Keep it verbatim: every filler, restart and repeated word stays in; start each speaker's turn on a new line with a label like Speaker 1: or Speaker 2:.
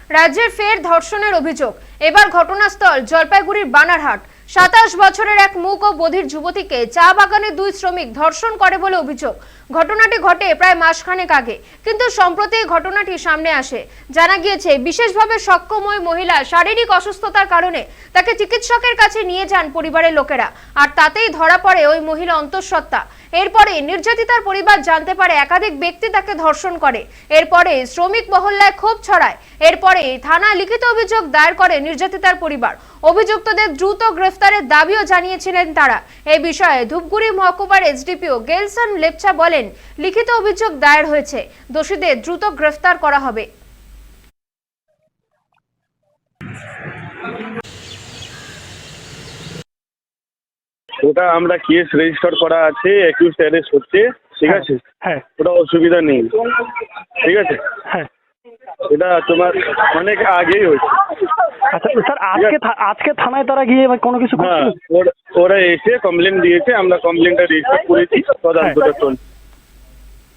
Speaker 1: রাজ্যের ফের ধর্ষণের অভিযোগ। এবার ঘটনাস্থল জলপাইগুড়ির বানারহাট। সাতাশ বছরের এক মূক ও বধির যুবতীকে চা বাগানের দুই শ্রমিক ধর্ষণ করে বলে অভিযোগ। ঘটনাটি ঘটে প্রায় মাসখানেক আগে, কিন্তু সম্প্রতি ঘটনাটি সামনে আসে। জানা গিয়েছে, বিশেষভাবে সক্ষম ওই মহিলা শারীরিক অসুস্থতার কারণে তাকে চিকিৎসকের কাছে নিয়ে যান পরিবারের লোকেরা, আর তাতেই ধরা পড়ে ওই মহিলা অন্তঃসত্ত্বা। এরপরে নির্যাতিতার পরিবার জানতে পারে একাধিক ব্যক্তি তাকে ধর্ষণ করে। এরপরে শ্রমিক মহল্লায় ক্ষোভ ছড়ায়। এরপরে থানায় লিখিত অভিযোগ দায়ের করে নির্যাতিতার পরিবার। অভিযুক্তদের দ্রুত গ্রেফতারের দাবিও জানিয়েছিলেন তারা। এই বিষয়ে ধূপগুড়ি মহকুমার এসডিপিও গেলসন লেপচা বলেন, লিখিত অভিযোগ দায়ের হয়েছে, দোষীদের দ্রুত গ্রেফতার করা হবে।
Speaker 2: ওটা আমরা কেস রেজিস্টার করা আছে, একুশ অ্যারেস্ট হচ্ছে, ঠিক আছে?
Speaker 3: হ্যাঁ
Speaker 2: ওটা অসুবিধা নেই, ঠিক আছে?
Speaker 3: হ্যাঁ।
Speaker 2: এটা তোমার অনেক আগেই হয়েছে।
Speaker 3: আচ্ছা স্যার, আজকে থা- আজকে থানায় তারা গিয়ে বা কোনো কিছু
Speaker 2: হ্যাঁ,
Speaker 3: করছিল?
Speaker 2: ওরা ওরা এসে কমপ্লেন দিয়েছে, আমরা কমপ্লেনটা রেজিস্টার করেছি, তদন্তটা চলছে।